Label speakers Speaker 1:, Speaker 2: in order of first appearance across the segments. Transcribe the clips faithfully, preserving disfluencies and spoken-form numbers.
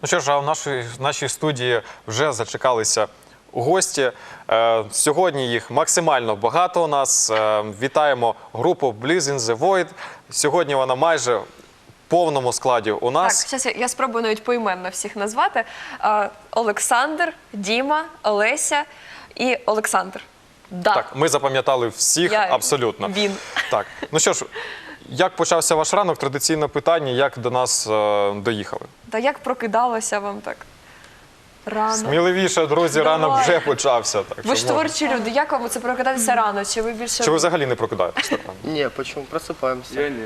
Speaker 1: Ну що ж, а в нашій, в нашій студії вже зачекалися гості. Е, сьогодні їх максимально багато у нас. Е, вітаємо групу Bliss in the Void. Сьогодні вона майже в повному складі у нас.
Speaker 2: Так, зараз я, я спробую навіть поіменно всіх назвати. Е, Олександр, Діма, Олеся і Олександр. Да.
Speaker 1: Так, ми запам'ятали всіх
Speaker 2: Я,
Speaker 1: абсолютно.
Speaker 2: Він.
Speaker 1: Так, ну що ж, як почався ваш ранок? Традиційне питання, як до нас е, доїхали?
Speaker 2: Та як прокидалося вам так рано?
Speaker 1: Сміливіше, друзі,
Speaker 2: Давай.
Speaker 1: ранок вже почався. Так,
Speaker 2: Ви ж
Speaker 1: що можна.
Speaker 2: творчі люди, як вам це прокидатися рано? Чи ви більше...
Speaker 1: Чи ви взагалі не прокидаєтесь так рано?
Speaker 3: Не, почему? Просыпаемся.
Speaker 4: Я не.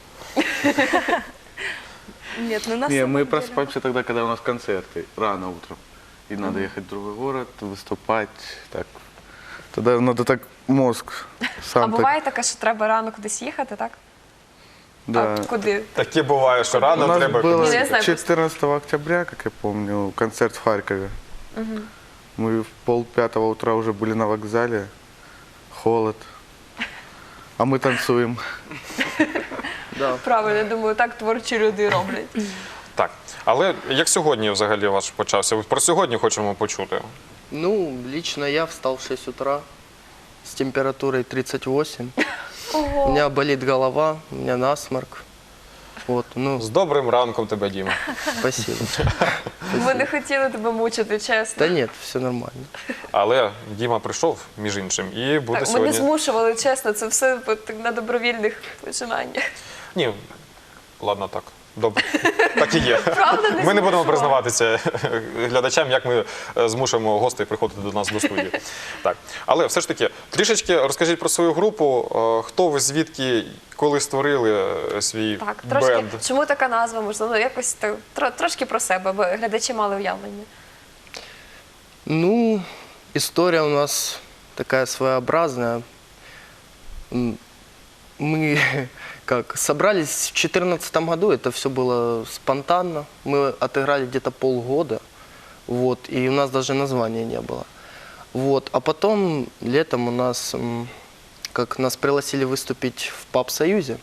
Speaker 2: Нет, ну на
Speaker 4: Не,
Speaker 2: самом
Speaker 4: мы
Speaker 2: деле.
Speaker 4: просыпаемся тогда, когда у нас концерты, рано утром. И надо ехать в другой город, выступать. Так. Тогда надо так мозг сам
Speaker 2: А
Speaker 4: так.
Speaker 2: буває таке, що треба рано кудись їхати, так?
Speaker 4: Да.
Speaker 2: А куди?
Speaker 1: Таке буває, що
Speaker 4: У
Speaker 1: рано
Speaker 4: нас
Speaker 1: треба...
Speaker 4: было
Speaker 2: Не, я знаю,
Speaker 4: четырнадцатого октября, как я помню, концерт в Харькове. Мы в полпятого утра уже были на вокзале. Холод. А мы танцуем.
Speaker 3: Да.
Speaker 2: Правильно, я думаю, так творчі люди роблять.
Speaker 1: Так, але як сьогодні взагалі ваш почався? Про сьогодні хочемо почути.
Speaker 3: Ну, лично я встал в шесть утра с температурой тридцать восемь. У меня болит голова, у меня насморк. Вот, ну,
Speaker 1: З добрим ранком тебе, Діма.
Speaker 3: спасибо.
Speaker 2: Ми не хотіли тебе мучити, чесно.
Speaker 3: Да нет, все нормально.
Speaker 1: Але Діма прийшов, між іншим, і буде
Speaker 2: Так, ми не
Speaker 1: сьогодні...
Speaker 2: змушували, чесно, це все на добровільних починаннях.
Speaker 1: Ні, ладно, так. Добре, так і є.
Speaker 2: Правда, не
Speaker 1: Ми не будемо
Speaker 2: змушували?
Speaker 1: признаватися глядачам, як ми е, змушуємо гостей приходити до нас до студії. Так. Але все ж таки, трішечки розкажіть про свою групу. Е, Хто ви, звідки, коли створили е, свій
Speaker 2: Так, трошки,
Speaker 1: бенд?
Speaker 2: чому така назва, можливо, якось так, тро- трошки про себе, бо глядачі мали уявлення.
Speaker 3: Ну, история у нас такая своеобразная. М, Мы как собрались в две тысячи четырнадцатом году, это все было спонтанно. Мы отыграли где-то полгода, вот, и у нас даже названия не было. Вот, а потом летом у нас, м, как нас пригласили выступить в паб-союзе,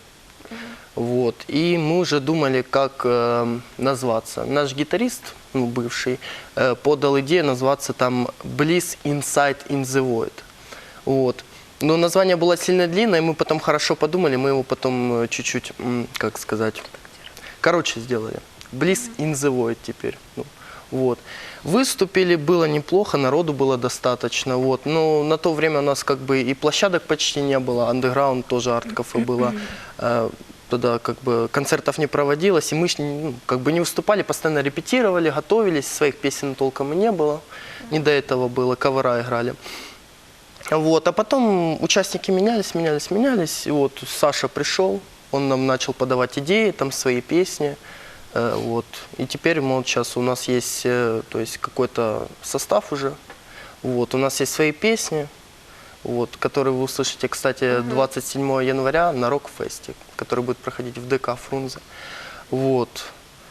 Speaker 3: вот, и мы уже думали, как э, назваться. Наш гитарист, ну, бывший, э, подал идею назваться там Bliss Inside in the Void. Вот. Но название было сильно длинное, и мы потом хорошо подумали, мы его потом э, чуть-чуть, м, как сказать, короче сделали. Bliss in the Void теперь. Ну, вот. Выступили, было неплохо, народу было достаточно. Вот. Но на то время у нас как бы и площадок почти не было, андеграунд тоже, арт-кафе было. Э, Тогда как бы концертов не проводилось, и мы ж, ну, как бы не выступали, постоянно репетировали, готовились, своих песен толком и не было. Не до этого было, кавера играли. Вот, а потом участники менялись, менялись, менялись. И вот Саша пришел, он нам начал подавать идеи, там свои песни. Э, вот. И теперь мы вот сейчас у нас есть, э, то есть какой-то состав уже. Вот, у нас есть свои песни, вот, которые вы услышите, кстати, двадцать седьмого января на Рок-фесте, который будет проходить в ДК Фрунзе. Вот.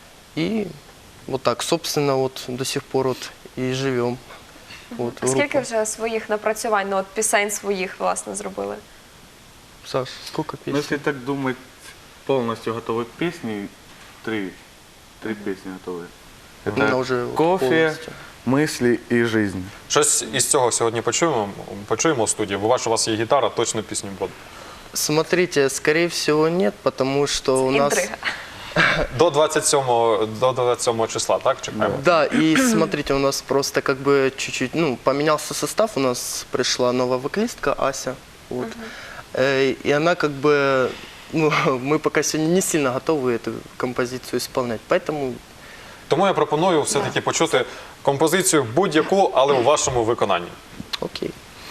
Speaker 3: И вот так, собственно, вот до сих пор вот и живем. Вот,
Speaker 2: А скільки
Speaker 3: группа.
Speaker 2: вже своїх напрацювань, ну от пісень своїх, власне, зробили?
Speaker 3: Саш, сколько
Speaker 4: Ну,
Speaker 3: песен?
Speaker 4: если так думать, полностью готовы песни, три, три песни готовы.
Speaker 3: Она
Speaker 4: Это
Speaker 3: уже вот
Speaker 4: кофе,
Speaker 3: полностью.
Speaker 4: мысли и жизнь.
Speaker 1: Щось із цього сьогодні почуємо, почуємо в студії, бо бачу, у вас є гітара, точно пісню буде.
Speaker 3: Смотрите, скорее всего нет, потому что у нас...
Speaker 2: Інтрига.
Speaker 1: До двадцять сьомого, до двадцять сьомого числа, так, чекаємо?
Speaker 3: Да, и смотрите, у нас просто как бы чуть-чуть, ну, поменялся состав, у нас пришла новая вокалистка Ася, вот. Э, и она как бы, ну, мы пока сегодня не сильно готовы эту композицию исполнять, поэтому
Speaker 1: Тому я пропоную все-таки почути композицію будь-яку, але у вашому виконанні.
Speaker 3: окей.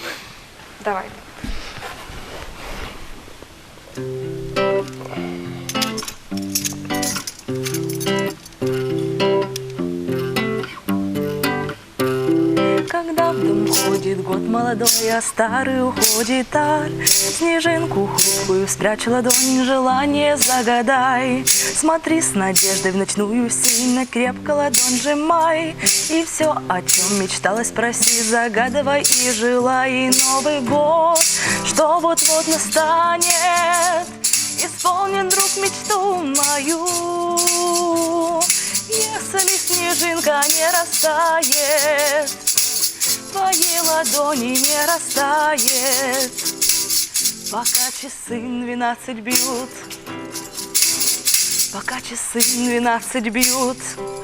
Speaker 2: Давай.
Speaker 5: Когда в дом ходит год молодой, а старый уходит дар, снежинку хрупкую спрячь в ладонь, желание загадай. Смотри с надеждой в ночную сильно крепко ладонь сжимай, и все, о чем мечталось, проси, загадывай и желай. И Новый год, что вот-вот настанет, исполнен, друг, мечту мою. Если снег не растает, в твоей ладони не растает, пока часы двенадцать бьют, пока часы двенадцать бьют.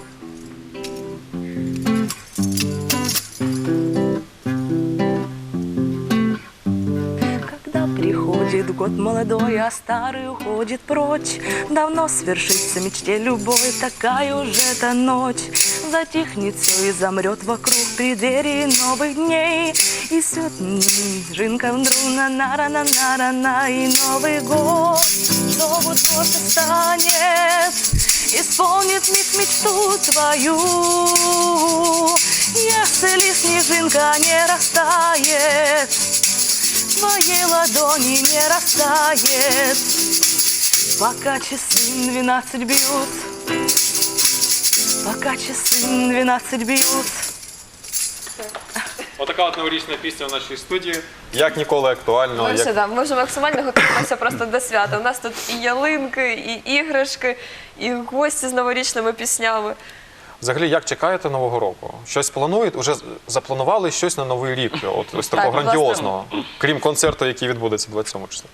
Speaker 5: Когда приходит год молодой, а старый уходит прочь, давно свершится мечте любой такая уже эта ночь. Затихнет все и замрет вокруг преддверии новых дней, и снежинка вдруг на на на на на на и Новый год зовут тоже станет, исполнит миг мечту твою. Если снежинка не растает, в твоей ладони не растает, пока часы двенадцать бьют, пока часы двенадцать бьют.
Speaker 1: Отака от новорічна пісня в нашій студії. Як ніколи актуально.
Speaker 2: Ми,
Speaker 1: Як...
Speaker 2: все, да, ми вже максимально готуємося просто до свята. У нас тут і ялинки, і іграшки, і гості з новорічними піснями.
Speaker 1: Взагалі, як чекаєте Нового року? Щось плануєте? Уже запланували щось на Новий рік? От, ось такого
Speaker 2: Так,
Speaker 1: грандіозного. Крім концерту, який відбудеться двадцять сьомого числа.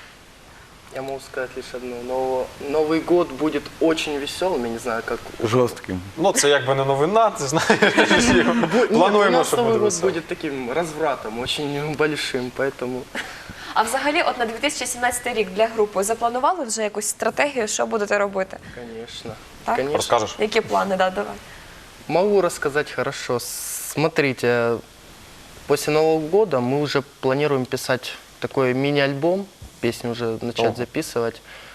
Speaker 3: Я могу сказать лишь одно. Но Новый год будет очень веселым, я не знаю, как...
Speaker 4: Жестким.
Speaker 1: Ну, це якби не новина, ти знаєш.
Speaker 3: Нет, у
Speaker 1: Плануємо,
Speaker 3: нас
Speaker 1: що
Speaker 3: Новый
Speaker 1: буде
Speaker 3: год
Speaker 1: весело.
Speaker 3: будет таким развратом, очень большим, поэтому...
Speaker 2: А взагалі, от на дві тисячі сімнадцятий рік для групи запланували вже якусь стратегію, що будете робити?
Speaker 3: Конечно.
Speaker 2: Так?
Speaker 3: Конечно.
Speaker 1: Розкажеш?
Speaker 2: Які плани, да, давай.
Speaker 3: Могу рассказать хорошо. Смотрите, после Нового года мы уже планируем писать такой мини-альбом, песни уже начать
Speaker 1: Ого.
Speaker 3: записывать.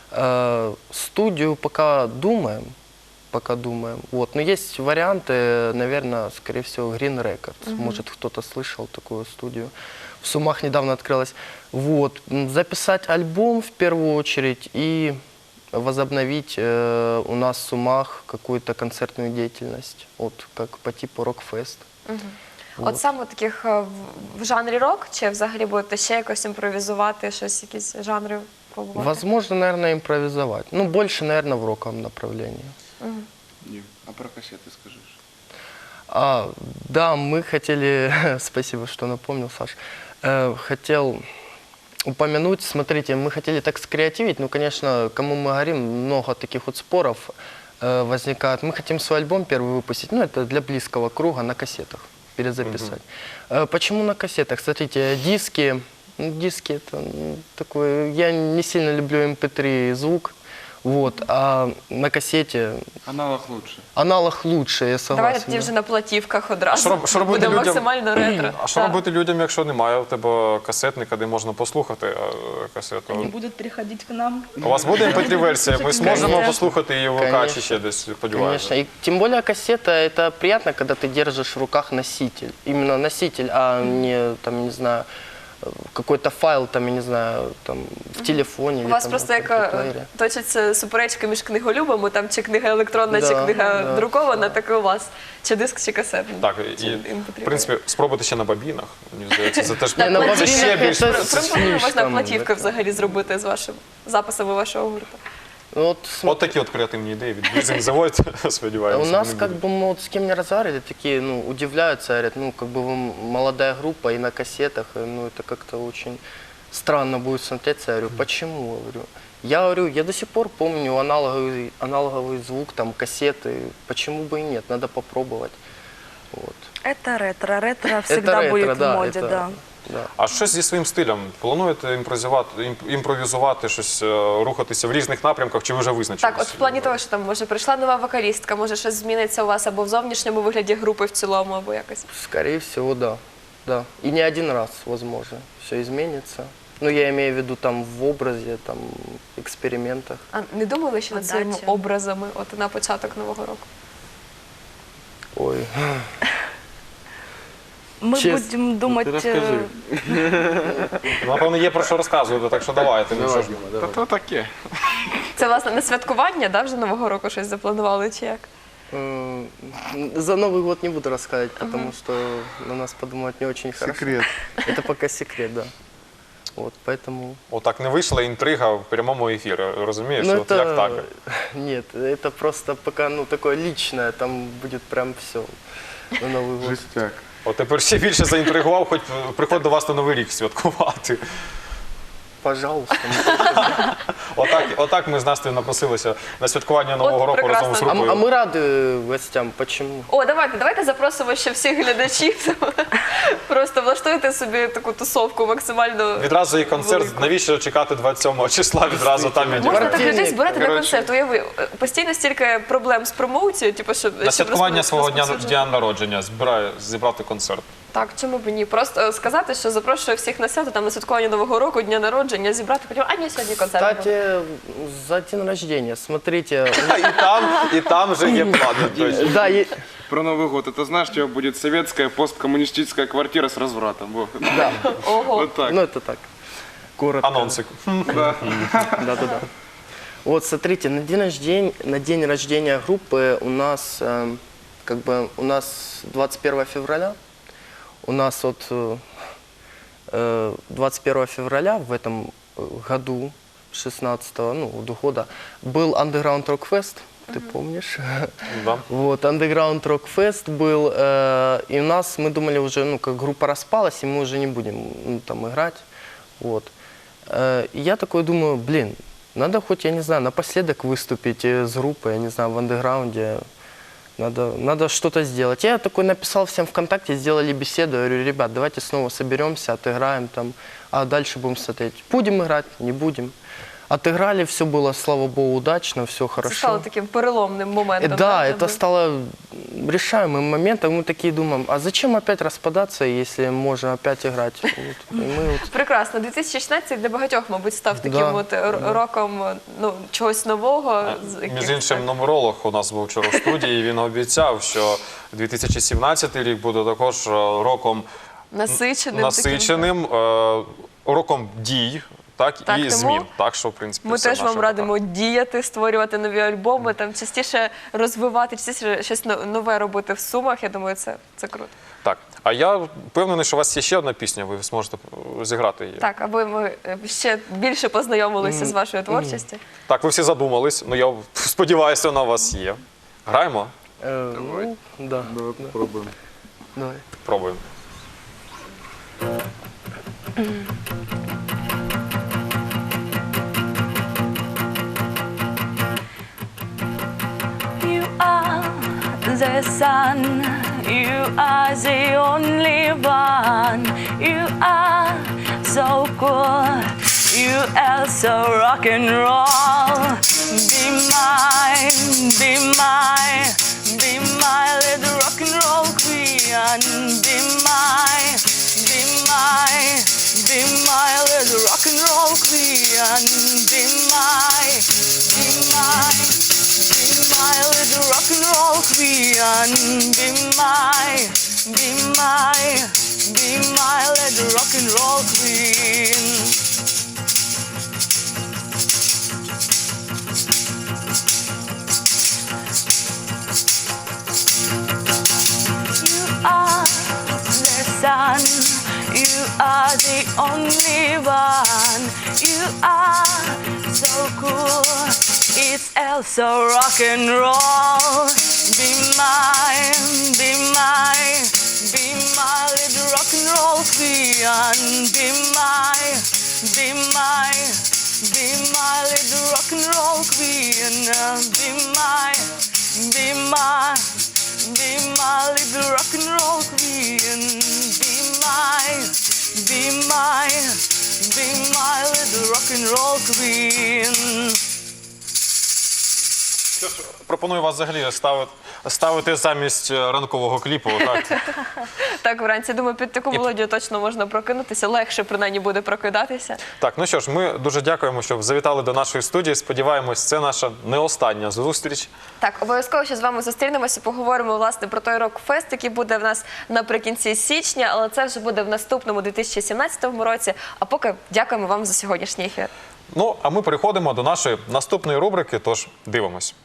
Speaker 3: Э, Студию пока думаем, пока думаем. Вот. Но есть варианты, наверное, скорее всего, Green Records. Может, кто-то слышал такую студию. В Сумах недавно открылась. Вот. М, Записать альбом в первую очередь и возобновить э, у нас в Сумах какую-то концертную деятельность, вот как по типу рок-фест.
Speaker 2: От саме таких е, в- в жанрі рок, чи взагалі будете ще якось імпровізувати, щось, якісь жанри пробувати?
Speaker 3: Возможно, наверное, импровизовать. Ну, больше, наверное, в роковом направлении.
Speaker 4: Дим, а про кассеты скажешь?
Speaker 3: А, да, мы хотели, спасибо, что напомнил, Саш, Э, хотел упомянуть, смотрите, мы хотели так скреативить, ну, конечно, кому мы говорим, много таких вот споров э, возникает. Мы хотим свой альбом первый выпустить, ну, это для близкого круга, на кассетах перезаписать. Э, почему на кассетах? Смотрите, диски, ну, диски это ну, такой, я не сильно люблю эм пэ три звук, вот, а на кассете
Speaker 4: Аналог лучше.
Speaker 3: аналог лучше, я согласен.
Speaker 2: Давайте тоді
Speaker 3: да.
Speaker 2: вже на платівках одразу.
Speaker 1: Що роб- що робити
Speaker 2: Буде
Speaker 1: людям?
Speaker 2: максимально ретро.
Speaker 1: А що
Speaker 2: Так.
Speaker 1: робити людям, якщо немає у тебе касетника, де можна послухати е, касету?
Speaker 5: Они будут приходить к нам.
Speaker 1: У вас буде ем пе три версія? Ми зможемо
Speaker 3: Конечно.
Speaker 1: послухати її в ВК чи
Speaker 3: Конечно.
Speaker 1: ще десь,
Speaker 3: Конечно,
Speaker 1: сподіваюся.
Speaker 3: и тем более кассета, это приятно, когда ты держишь в руках носитель. Именно носитель, а не, там, не знаю, какой-то файл, там, я не знаю, там, в телефоне.
Speaker 2: У
Speaker 3: или
Speaker 2: вас
Speaker 3: там,
Speaker 2: просто
Speaker 3: на
Speaker 2: як е,
Speaker 3: компьютере.
Speaker 2: точаться суперечки між книголюбами, там чи книга електронна, чи
Speaker 3: Да,
Speaker 2: книга
Speaker 3: да.
Speaker 2: друкована, так і у вас. Чи диск, чи касетний.
Speaker 1: Так,
Speaker 2: Чи
Speaker 1: і,
Speaker 2: ем пе три.
Speaker 1: в принципі, спробувати ще на бабінах. Мені здається, це теж
Speaker 3: Ні, на
Speaker 1: це
Speaker 3: бабінах
Speaker 1: ще більш...
Speaker 3: це-
Speaker 2: Примірно можна
Speaker 3: слишком,
Speaker 2: платівки
Speaker 3: да.
Speaker 2: взагалі зробити з вашим записами вашого гурту.
Speaker 3: Ну, вот, см-
Speaker 1: От такі от креативні ідеї від Блізинг Завод, сподіваємося.
Speaker 3: у нас,
Speaker 1: вони
Speaker 3: как
Speaker 1: будуть.
Speaker 3: бы, мы вот с кем не разговаривали, такие, ну, удивляются, говорят, ну, как бы вы молодая группа и на кассетах, и, ну, это как-то очень странно будет смотреться. Я говорю, почему? Я говорю, я говорю, я до сих пор помню аналоговый, аналоговый звук, там, кассеты, почему бы и нет, надо попробовать. Вот.
Speaker 5: Это ретро. Ретро всегда
Speaker 3: ретро,
Speaker 5: будет
Speaker 3: да,
Speaker 5: в моде,
Speaker 3: это-
Speaker 5: да.
Speaker 3: Да. А
Speaker 1: А щось зі своїм стилем? Плануєте імпровізувати, імп- імпровізувати, щось, е, рухатися в різних напрямках, чи ви вже визначились?
Speaker 2: Так, от в плані того, що там може прийшла нова вокалістка, може щось зміниться у вас або в зовнішньому вигляді групи в цілому, або якось.
Speaker 3: Скорее всего, да. Да. И не один раз, возможно, все изменится. Ну, я имею в виду там в образе, там, экспериментах.
Speaker 2: А не думали ще над своїми
Speaker 5: Подача.
Speaker 2: образами от на початок нового року?
Speaker 3: Ой.
Speaker 5: Мы
Speaker 3: Честно,
Speaker 5: будем думать...
Speaker 4: Ты расскажи.
Speaker 5: э,
Speaker 1: Ну, напевно, є про що розказувати, так що давайте. Ну, що ж.
Speaker 4: Та то таке.
Speaker 2: Це, власне, на святкування, да, вже нового року щось запланували, чи як?
Speaker 3: М, За Новый год не буду рассказывать, потому что на нас подумают не очень хорошо.
Speaker 4: Секрет.
Speaker 3: Это пока секрет, да. Вот, поэтому...
Speaker 1: Отак не вийшла інтрига в прямому ефірі, розумієш?
Speaker 3: Ну,
Speaker 1: От як так?
Speaker 3: Нет, это просто пока, ну, такое личное, там будет прям все на Новый год.
Speaker 4: Жестяк.
Speaker 1: От тепер ще більше заінтригував, хоч приходь до вас на Новий рік святкувати.
Speaker 3: Пожалуйста.
Speaker 1: Отак, отак ми з Настею напросилися на святкування Нового року
Speaker 2: прекрасно.
Speaker 1: разом з
Speaker 3: А, м-
Speaker 1: групою.
Speaker 3: а мы рады гостям, почему?
Speaker 2: О, давайте, давайте запросимо ще всіх глядачів. Просто влаштуйте собі таку тусовку максимально.
Speaker 1: Відразу і концерт,
Speaker 2: велику.
Speaker 1: навіщо чекати двадцять сьомого числа, відразу там
Speaker 2: Можна
Speaker 1: відіграти.
Speaker 2: так людей
Speaker 3: Квартирник,
Speaker 2: збирати на
Speaker 4: коротше.
Speaker 2: концерт. Уяви, постійно стільки проблем з промоцією, типу, щоб
Speaker 1: На
Speaker 2: щоб
Speaker 1: святкування
Speaker 2: розпо-
Speaker 1: свого дня,
Speaker 2: розповсюджувати.
Speaker 1: дня народження збираю, зібрати концерт.
Speaker 2: Так, чому б і ні? Просто е, сказати, що запрошую всіх на свято, там на святкування Нового року, дня народження, зібрати, потім, а ні, сьогодні концерт. буде».
Speaker 3: Кстати, за день рождения, смотрите,
Speaker 1: І там, і там вже є плани. точно.
Speaker 3: да, е-
Speaker 6: Про Новый год. Это знаешь, у тебя будет советская посткоммунистическая квартира с развратом. Во.
Speaker 3: да,
Speaker 2: Ого.
Speaker 6: Вот так.
Speaker 3: ну это так, коротко.
Speaker 1: Анонсик.
Speaker 3: Да-да-да. Вот, смотрите, на день рождения, на день рождения группы у нас, эм, как бы, у нас двадцать первого февраля, у нас вот э, э, двадцать первого февраля в этом э, году, шестнадцатого, ну, до года, был Underground Rock Fest, ты помнишь?
Speaker 1: Да.
Speaker 3: Вот, Underground Rock Fest был, э, и у нас, мы думали уже, ну, как группа распалась, и мы уже не будем, ну, там, играть, вот. Э, и я такой думаю, блин, надо хоть, я не знаю, напоследок выступить э, с группой, я не знаю, в андеграунде, надо, надо что-то сделать. Я такой написал всем ВКонтакте, сделали беседу, я говорю, ребят, давайте снова соберемся, отыграем там, а дальше будем смотреть, будем играть, не будем. Отыграли, все было, слава богу, удачно, все
Speaker 2: Це
Speaker 3: хорошо.
Speaker 2: стало таким переломним
Speaker 3: Э,
Speaker 2: моментом.
Speaker 3: Да,
Speaker 2: для
Speaker 3: это
Speaker 2: тебе.
Speaker 3: стало решаемым моментом. Мы такие думаем, а зачем опять распадаться, если можно опять играть? Вот. И мы вот...
Speaker 2: Прекрасно. дві тисячі шістнадцятий для багатьох, мабуть, став таким
Speaker 3: Да.
Speaker 2: от р- роком ну, чогось нового. з
Speaker 1: Між
Speaker 2: яких-
Speaker 1: іншим, нумеролог у нас був вчора в студії, і він обіцяв, що дві тисячі сімнадцятий рік буде також е, роком
Speaker 2: насиченим.
Speaker 1: насиченим, е, роком дій, так,
Speaker 2: Так,
Speaker 1: і
Speaker 2: тому
Speaker 1: змін. Так, що, в принципі,
Speaker 2: Ми
Speaker 1: все
Speaker 2: теж
Speaker 1: наше
Speaker 2: вам радимо діяти, створювати нові альбоми, там частіше розвивати, частіше щось но- нове робити в Сумах. Я думаю, це, це круто.
Speaker 1: Так, а я впевнений, що у вас є ще одна пісня, ви зможете е, зіграти її.
Speaker 2: Так, аби ми е, ще більше познайомилися з вашою творчістю.
Speaker 1: Так, ви всі задумались, ну я сподіваюся, вона у вас є. Граємо?
Speaker 3: э, ну, да,
Speaker 4: Давай попробуем.
Speaker 3: давай.
Speaker 1: Пробуємо.
Speaker 5: You are the sun, you are the only one. You are so cool, you are so rock and roll. Be mine, be mine, be my little rock and roll queen. Be mine, be mine, be my little rock and roll queen. Be mine, be mine. Be my little rock and roll queen. Be my, be my, be my little rock and roll queen. You are the sun, you are the only one. You are so cool, it's also rock and roll. Be mine, be mine, be my little rock and roll queen. Be mine, be mine, be my little rock and roll queen. Be mine, be mine. Be my little rock and roll queen. Be mine, be mine, be my little rock and roll queen.
Speaker 1: Пропоную вас взагалі ставити, ставити замість е, ранкового кліпу. Так?
Speaker 2: Так, вранці, думаю, під таку мелодію точно можна прокинутися, легше принаймні буде прокидатися.
Speaker 1: Так, ну що ж, ми дуже дякуємо, що завітали до нашої студії. Сподіваємось, це наша не остання зустріч.
Speaker 2: Так, обов'язково ще з вами зустрінемося, поговоримо власне про той рок-фест, який буде в нас наприкінці січня, але це вже буде в наступному дві тисячі сімнадцятому році. А поки дякуємо вам за сьогоднішній ефір.
Speaker 1: Ну, а ми переходимо до нашої наступної рубрики, тож дивимось.